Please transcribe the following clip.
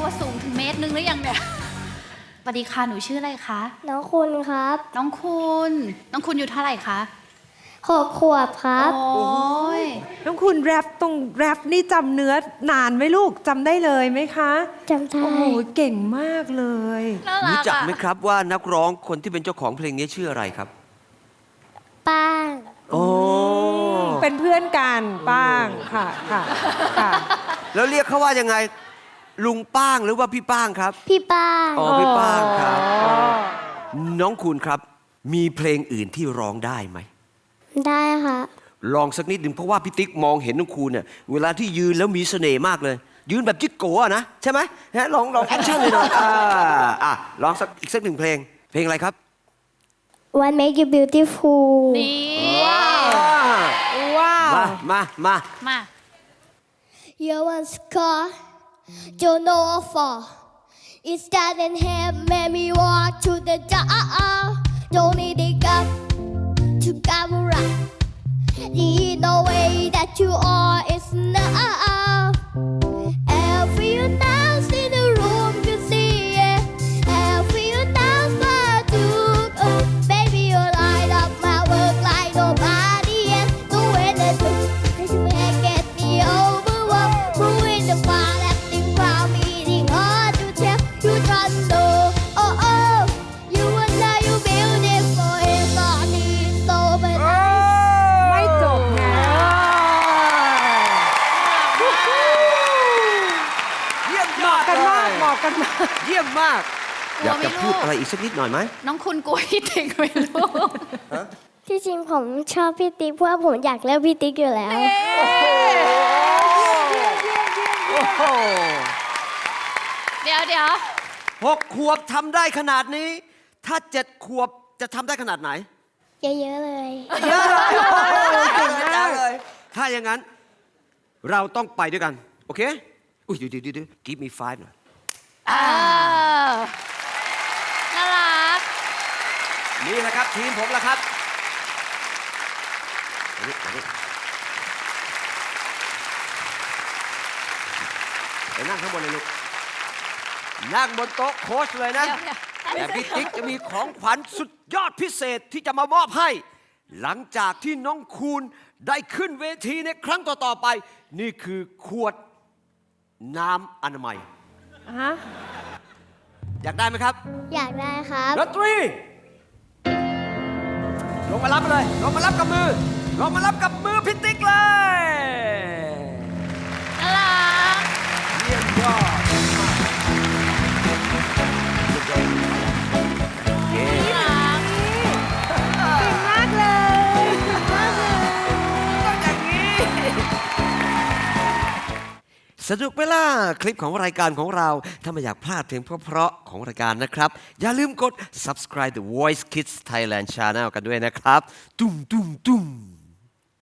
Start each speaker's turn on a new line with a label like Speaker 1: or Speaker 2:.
Speaker 1: ว่าสูงถึงเมตรนึงหรือยังเนี่ยสวัสดีค่ะหนูชื่ออะไรคะ
Speaker 2: น้องคุณครับ
Speaker 1: น้องคุณอยู่เท่าไหร่คะ
Speaker 2: 6 ขวบครับ
Speaker 1: โอ้ย
Speaker 3: น้องคุณแรปตรงแรปนี่จำเนื้อนานไหมลูกจำได้เลยไหมคะ
Speaker 2: จำได้
Speaker 3: โอ้โหเก่งมากเลย
Speaker 1: น่ารั
Speaker 4: รู้
Speaker 1: ก
Speaker 4: จัก
Speaker 1: อะ
Speaker 4: ไหมครับว่านักร้องคนที่เป็นเจ้าของเพลงนี้ชื่ออะไรครับ
Speaker 2: ป้าง
Speaker 4: โอ้
Speaker 3: เป็นเพื่อนกันป้างค่ะค่ะค่ะ
Speaker 4: แล้วเรียกเขาว่ายังไง ลุงป้างหรือว่าพี่ป้างครับ
Speaker 2: พี่ป้าง
Speaker 4: อ๋อพี่ป้างครับ
Speaker 3: อ๋อ
Speaker 4: น้องคุณครับ มีเพลงอื่นที่ร้องได้ไหม
Speaker 2: ได้ค่ะ
Speaker 4: ลองสักนิดหนึ่งเพราะว่าพี่ติ๊กมองเห็นน้องคุณเนี่ยเวลาที่ยืนแล้วมีเสน่ห์มากเลย ยืนแบบจิ๊กโกะนะใช่ไหมฮะลองแอคชั่นเลยหน่อยลองอีกสักหนึ่งเพลงอะไรครับ
Speaker 2: What make you beautiful
Speaker 1: นี่
Speaker 3: ว้าว
Speaker 4: มา
Speaker 1: มา
Speaker 2: You want scar don't know what for It's that and have made me walk to the door Don't need a gun to cover up The way that you are is enough Every dance in the room you see it Every dance I took Baby you light up my work like nobody else The way that you get me overwhelmed Ruin the fire acting proud meeting hard to tell You don't know You will know you beautiful It's all need so but
Speaker 3: ไม่จบไง
Speaker 4: เยี่ยม
Speaker 3: เหมาะกันมากเหมาะกันมาก
Speaker 4: เยี่ยมมาก
Speaker 1: กลัว
Speaker 4: อยากจะ
Speaker 1: ไหมลูก
Speaker 4: พูดอะไรอีกสักนิดหน่อยไหม
Speaker 1: น้องคุณกลัวพี่ติ๊กไหมลูก
Speaker 2: ที่จริงผมชอบพี่ติ๊กเพราะว่าผมอยากเลือกพี่ติ๊กอยู่แล้ว
Speaker 4: โอ้โห
Speaker 1: เดี๋ยว
Speaker 4: 6 ขวบทำได้ขนาดนี้ ถ้า 7 ขวบจะทำได้ขนาดไหน
Speaker 2: เยอะๆเลย
Speaker 4: เยอะเลย ถ้าอย่างนั้น เราต้องไปด้วยกัน โอเค อุ้ยเดี๋ยว give me 5หน่อย
Speaker 1: น่ารัก
Speaker 4: นี่แหละครับ ทีมผมละครับมานี่ไปนั่งข้างบนเลยลูก นั่งบนโต๊ะโค้ชเลยนะ
Speaker 1: เดี๋ยว
Speaker 4: แต่พี่ติ๊กจะมีของขวัญสุดยอดพิเศษที่จะมามอบให้ หลังจากที่น้องคูณได้ขึ้นเวทีในครั้งต่อๆไป นี่คือขวดน้ำอนามัย
Speaker 3: ฮะ
Speaker 4: อยากได้ไหมครับ
Speaker 2: อยากได้ครับ
Speaker 4: ดนตรี ลงมารับเลย ลงมารับกับมือ ลงมารับกับมือพี่ติ๊กเลย
Speaker 1: น่ารัก
Speaker 4: เยี่ยมยอดเย้
Speaker 1: น่ารัก
Speaker 3: มากเลย
Speaker 4: ต้องอย่างนี้ สนุกไหมล่ะคลิปของรายการของเรา ถ้าไม่อยากพลาดเพลงเพราะๆของรายการนะครับ อย่าลืมกด subscribe The Voice Kids Thailand Channel กันด้วยนะครับ ตุ้ม